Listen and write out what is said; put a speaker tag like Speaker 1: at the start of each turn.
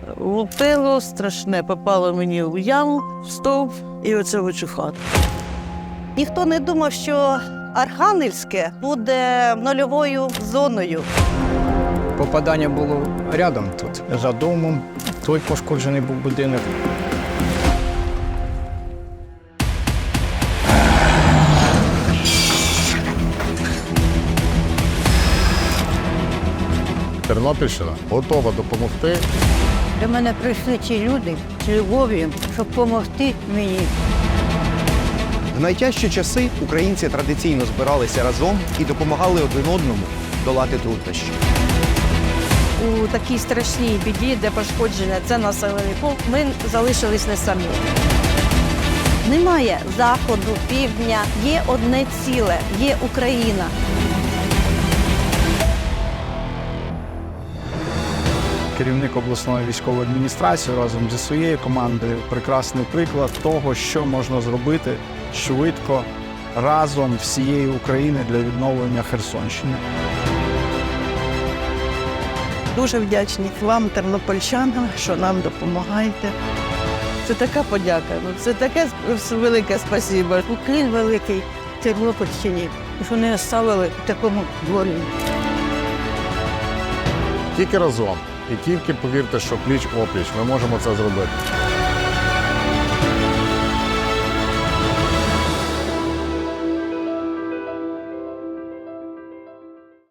Speaker 1: Лупило страшне, попало мені в яму, в стовп і оце в цю хату.
Speaker 2: Ніхто не думав, що Архангельське буде нульовою зоною.
Speaker 3: Попадання було рядом тут. За домом той пошкоджений був будинок.
Speaker 4: Тернопільщина готова допомогти.
Speaker 5: До мене прийшли ці люди з любов'ю, щоб допомогти мені.
Speaker 6: В найтяжчі часи українці традиційно збиралися разом і допомагали один одному долати труднощі.
Speaker 2: У такій страшній біді, де пошкодження це населений пункт, ми залишились не самі. Немає заходу, півдня, є одне ціле, є Україна.
Speaker 7: Керівник обласної військової адміністрації разом зі своєю командою прекрасний приклад того, що можна зробити швидко, разом всієї України для відновлення Херсонщини.
Speaker 1: Дуже вдячні вам, тернопільчанам, що нам допомагаєте. Це така подяка, це таке велике спасибо.
Speaker 5: Уклін великий Тернопільщині, що не оставили в такому дворі.
Speaker 4: Тільки разом. І тільки повірте, що пліч-опліч ми можемо це зробити.